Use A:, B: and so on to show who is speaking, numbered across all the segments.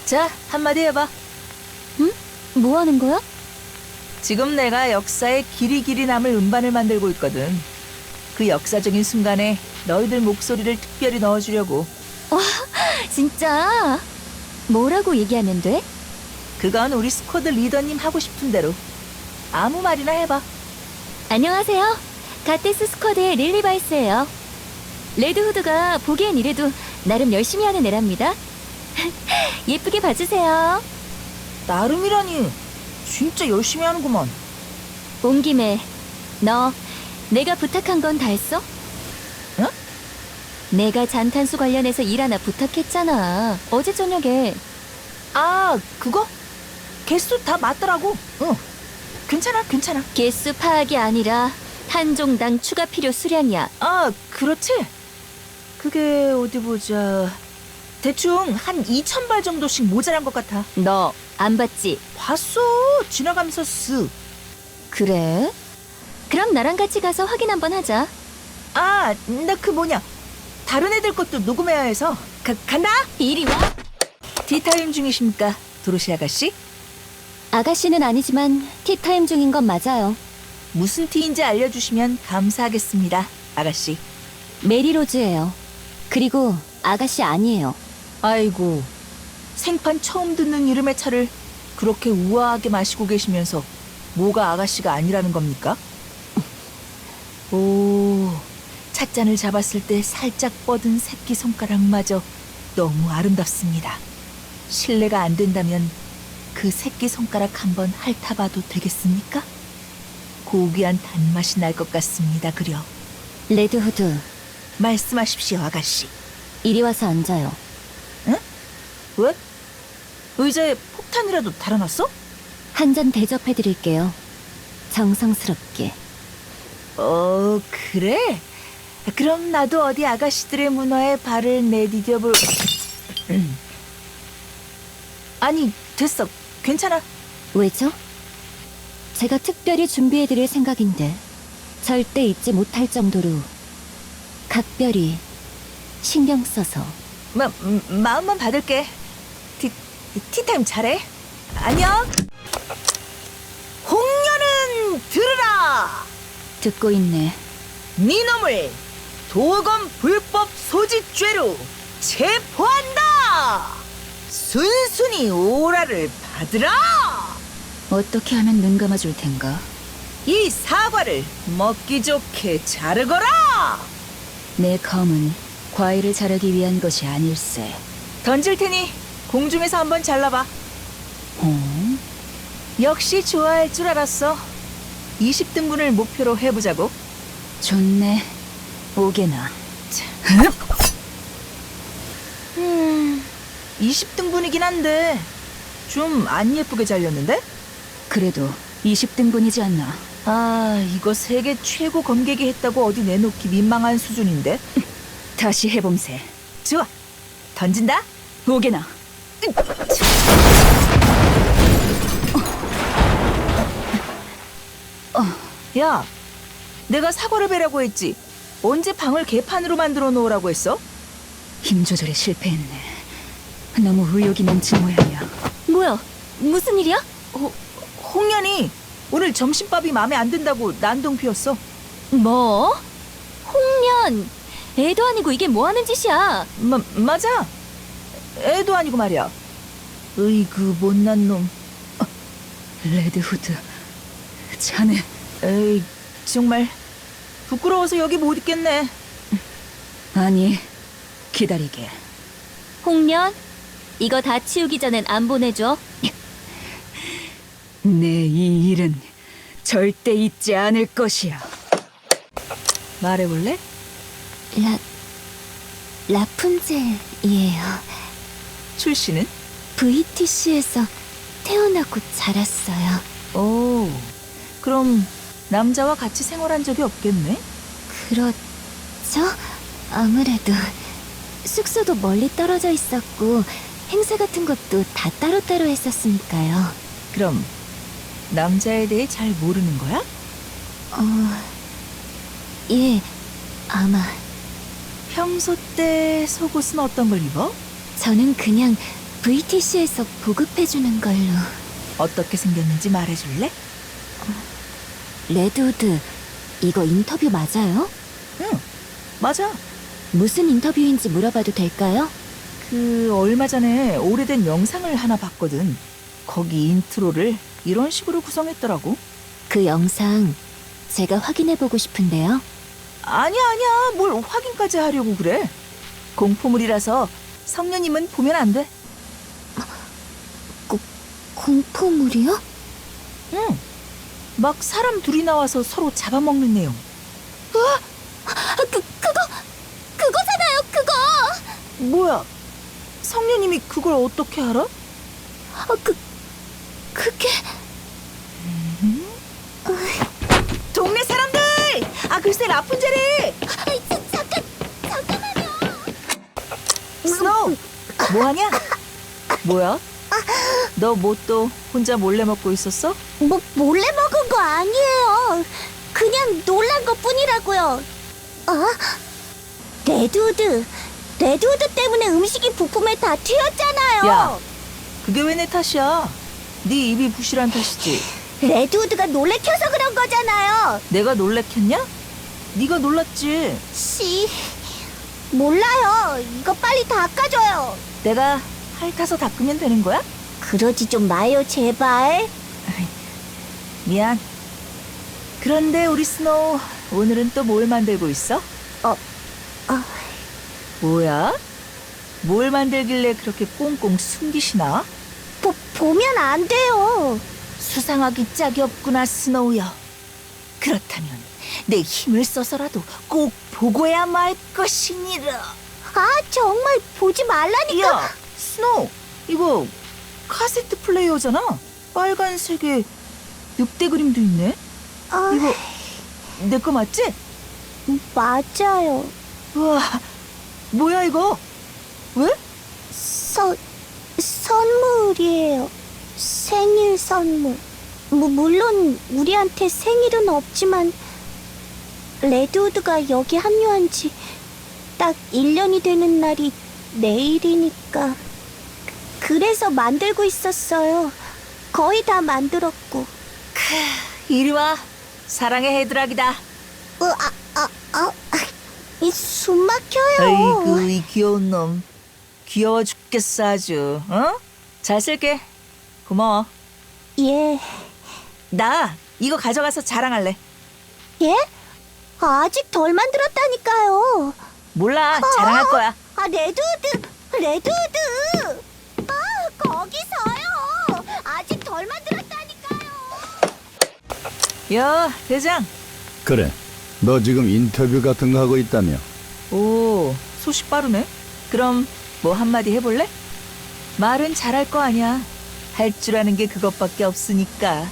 A: 자, 한마디 해봐.
B: 응? 뭐 하는 거야?
A: 지금 내가 역사에 길이 남을 음반을 만들고 있거든. 그 역사적인 순간에 너희들 목소리를 특별히 넣어주려고.
B: 진짜? 뭐라고 얘기하면 돼?
A: 그건 우리 스쿼드 리더님 하고 싶은 대로. 아무 말이나 해봐.
B: 안녕하세요. 갓데스 스쿼드의 릴리바이스예요. 레드후드가 보기엔 이래도 나름 열심히 하는 애랍니다. 예쁘게 봐주세요.
A: 나름이라니. 진짜 열심히 하는구먼.
B: 온 김에 너 내가 부탁한 건 다 했어?
A: 응?
B: 내가 잔탄수 관련해서 일 하나 부탁했잖아. 어제 저녁에.
A: 아, 그거? 개수 다 맞더라고. 응. 괜찮아.
B: 개수 파악이 아니라 탄종당 추가 필요 수량이야.
A: 아, 그렇지. 그게 어디 보자. 대충 한 2,000발 정도씩 모자란 것 같아.
B: 너 안 봤지?
A: 봤어. 지나가면서 쓱.
B: 그래? 그럼 나랑 같이 가서 확인 한번 하자.
A: 아, 나 그 뭐냐. 다른 애들 것도 녹음해야 해서. 간다?
B: 이리 와.
A: 티타임 중이십니까, 도로시 아가씨?
B: 아가씨는 아니지만 티타임 중인 건 맞아요.
A: 무슨 티인지 알려주시면 감사하겠습니다, 아가씨.
B: 메리로즈예요. 그리고 아가씨 아니에요.
A: 아이고, 생판 처음 듣는 이름의 차를 그렇게 우아하게 마시고 계시면서 뭐가 아가씨가 아니라는 겁니까? 오, 찻잔을 잡았을 때 살짝 뻗은 새끼손가락마저 너무 아름답습니다. 실례가 안 된다면 그 새끼손가락 한번 핥아봐도 되겠습니까? 고귀한 단맛이 날 것 같습니다, 그려.
B: 레드후드,
A: 말씀하십시오, 아가씨.
B: 이리 와서 앉아요.
A: 응? 왜? 의자에 폭탄이라도 달아놨어?
B: 한 잔 대접해드릴게요. 정성스럽게.
A: 그래? 그럼 나도 어디 아가씨들의 문화에 발을 내디뎌볼... 아니, 됐어. 괜찮아.
B: 왜죠? 제가 특별히 준비해드릴 생각인데 절대 잊지 못할 정도로 각별히 신경 써서.
A: 마음만 받을게. 티타임 잘해. 안녕. 홍련은 들으라.
B: 듣고 있네.
A: 니놈을 도검 불법 소지죄로 체포한다. 순순히 오라를 받으라.
B: 어떻게 하면 눈 감아줄 텐가?
A: 이 사과를 먹기 좋게 자르거라.
B: 내 검은 과일을 자르기 위한 것이 아닐세.
A: 던질 테니 공중에서 한번 잘라봐.
B: 어?
A: 역시 좋아할 줄 알았어. 20등분을 목표로 해보자고.
B: 좋네. 오게나.
A: 20등분이긴 한데 좀 안 예쁘게 잘렸는데?
B: 그래도 20등분이지 않나?
A: 아, 이거 세계 최고 검객이 했다고 어디 내놓기 민망한 수준인데?
B: 다시 해봄세.
A: 좋아, 던진다.
B: 오게나.
A: 야, 내가 사과를 베라고 했지. 언제 방을 개판으로 만들어 놓으라고 했어?
B: 힘 조절에 실패했네. 너무 의욕이 넘친 모양이야. 뭐야? 무슨 일이야?
A: 홍련이 오늘 점심밥이 마음에 안 든다고 난동 피웠어.
B: 뭐? 홍련! 애도 아니고 이게 뭐 하는 짓이야?
A: 맞아. 애도 아니고 말이야. 으이그 못난 놈.
B: 레드후드, 자네.
A: 에이, 정말 부끄러워서 여기 못 있겠네.
B: 아니, 기다리게. 홍련, 이거 다 치우기 전엔 안 보내줘. 내 이 일은 절대 잊지 않을 것이야.
A: 말해볼래?
B: 라푼젤이에요.
A: 출신은?
B: VTC에서 태어나고 자랐어요.
A: 오, 그럼 남자와 같이 생활한 적이 없겠네?
B: 그렇죠? 아무래도 숙소도 멀리 떨어져 있었고 행사 같은 것도 다 따로따로 했었으니까요.
A: 그럼 남자에 대해 잘 모르는 거야?
B: 예, 아마.
A: 평소 때 속옷은 어떤 걸 입어?
B: 저는 그냥 VTC에서 보급해주는 걸로.
A: 어떻게 생겼는지 말해줄래?
B: 레드우드, 이거 인터뷰 맞아요?
A: 응, 맞아.
B: 무슨 인터뷰인지 물어봐도 될까요?
A: 얼마 전에 오래된 영상을 하나 봤거든. 거기 인트로를 이런 식으로 구성했더라고.
B: 그 영상 제가 확인해보고 싶은데요.
A: 아니야, 뭘 확인까지 하려고 그래. 공포물이라서 성녀님은 보면 안 돼.
B: 공포물이요?
A: 응. 막 사람 둘이 나와서 서로 잡아먹는 내용.
B: 그거잖아요, 그거!
A: 뭐야? 성녀님이 그걸 어떻게 알아?
B: 그게...
A: 동네 사람들! 글쎄 라푼젤이!
B: 잠깐만요!
A: 스노우! 뭐하냐? 뭐야? 너 뭐 또 혼자 몰래 먹고 있었어?
B: 몰래 먹은 거 아니에요. 그냥 놀란 것 뿐이라고요. 레드우드 때문에 음식이 부품에 다 튀었잖아요.
A: 야, 그게 왜 내 탓이야? 네 입이 부실한 탓이지.
B: 레드우드가 놀래켜서 그런 거잖아요.
A: 내가 놀래켰냐? 네가 놀랐지.
B: 몰라요. 이거 빨리 닦아줘요.
A: 내가 핥아서 닦으면 되는 거야?
B: 그러지 좀 마요, 제발.
A: 미안. 그런데 우리 스노우 오늘은 또 뭘 만들고 있어? 뭐야? 뭘 만들길래 그렇게 꽁꽁 숨기시나?
B: 보면 안 돼요.
A: 수상하기 짝이 없구나, 스노우여. 그렇다면 내 힘을 써서라도 꼭 보고야 말 것이니라.
B: 정말 보지 말라니까.
A: 야, 스노우, 이거 카세트 플레이어잖아. 빨간색에 늑대 그림도 있네. 이거 내 거 맞지?
B: 맞아요.
A: 우와, 뭐야 이거? 왜?
B: 선물이에요. 생일 선물. 물론 우리한테 생일은 없지만 레드우드가 여기 합류한 지 딱 1년이 되는 날이 내일이니까. 그래서 만들고 있었어요. 거의 다 만들었고.
A: 이리 와. 사랑의 헤드락이다.
B: 숨 막혀요.
A: 아이고, 이 귀여운 놈. 귀여워 죽겠어 아주. 어? 잘 쓸게. 고마워.
B: 예.
A: 나 이거 가져가서 자랑할래.
B: 예? 아직 덜 만들었다니까요.
A: 몰라, 자랑할 거야.
B: 레드우드! 거기서요! 아직 덜 만들었다니까요!
A: 야, 대장.
C: 그래, 너 지금 인터뷰 같은 거 하고 있다며?
A: 오, 소식 빠르네. 그럼 뭐 한마디 해볼래? 말은 잘할 거 아니야. 할 줄 아는 게 그것밖에 없으니까.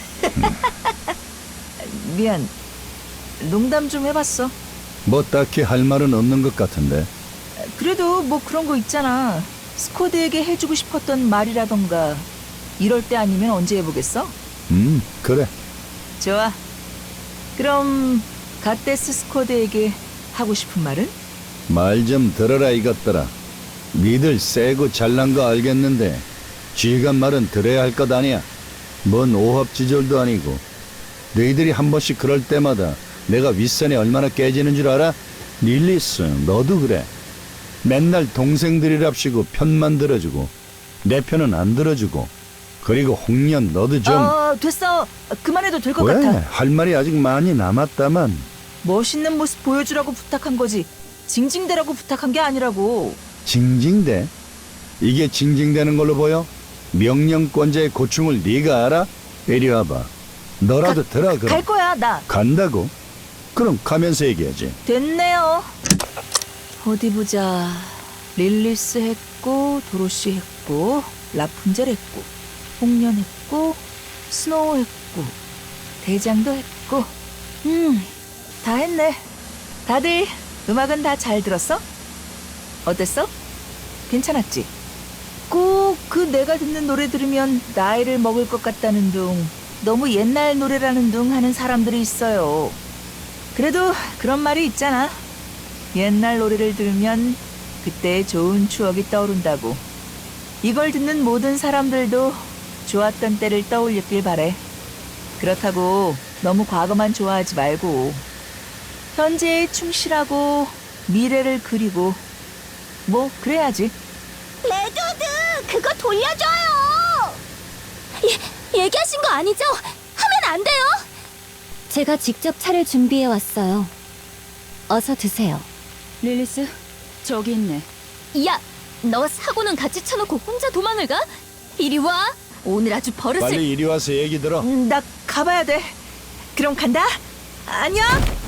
A: 미안. 농담 좀 해봤어.
C: 뭐 딱히 할 말은 없는 것 같은데.
A: 그래도 뭐 그런 거 있잖아. 스쿼드에게 해주고 싶었던 말이라던가. 이럴 때 아니면 언제 해보겠어?
C: 그래.
A: 좋아. 그럼 갓데스 스쿼드에게 하고 싶은 말은?
C: 말 좀 들어라 이것들아. 니들 세고 잘난 거 알겠는데 쥐간 말은 들어야 할 것 아니야. 뭔 오합지졸도 아니고. 너희들이 한 번씩 그럴 때마다 내가 윗선이 얼마나 깨지는 줄 알아? 릴리스, 너도 그래. 맨날 동생들이랍시고 편만 들어주고 내 편은 안 들어주고. 그리고 홍련 너도 좀...
A: 됐어. 그만해도 될 것
C: 왜?
A: 같아.
C: 할 말이 아직 많이 남았다만.
A: 멋있는 모습 보여주라고 부탁한 거지. 징징대라고 부탁한 게 아니라고.
C: 징징대? 이게 징징대는 걸로 보여? 명령권자의 고충을 네가 알아? 이리 와봐. 너라도 들어 그럼.
A: 갈 거야, 나.
C: 간다고? 그럼 가면서 얘기하지.
A: 됐네요. 어디 보자. 릴리스 했고, 도로시 했고, 라푼젤 했고, 홍련 했고, 스노우 했고, 대장도 했고. 다 했네. 다들 음악은 다 잘 들었어? 어땠어? 괜찮았지? 꼭 그 내가 듣는 노래 들으면 나이를 먹을 것 같다는 둥, 너무 옛날 노래라는 둥 하는 사람들이 있어요. 그래도 그런 말이 있잖아. 옛날 노래를 들으면 그때의 좋은 추억이 떠오른다고. 이걸 듣는 모든 사람들도 좋았던 때를 떠올렸길 바래. 그렇다고 너무 과거만 좋아하지 말고 현재에 충실하고 미래를 그리고 뭐 그래야지.
B: 레드우드, 그거 돌려줘요! 얘기하신 거 아니죠? 하면 안 돼요! 제가 직접 차를 준비해 왔어요. 어서 드세요.
D: 릴리스, 저기 있네.
B: 야, 너 사고는 같이 쳐놓고 혼자 도망을 가? 이리 와! 오늘 아주 버릇을...
C: 빨리 이리 와서 얘기 들어.
A: 나 가봐야 돼. 그럼 간다. 안녕.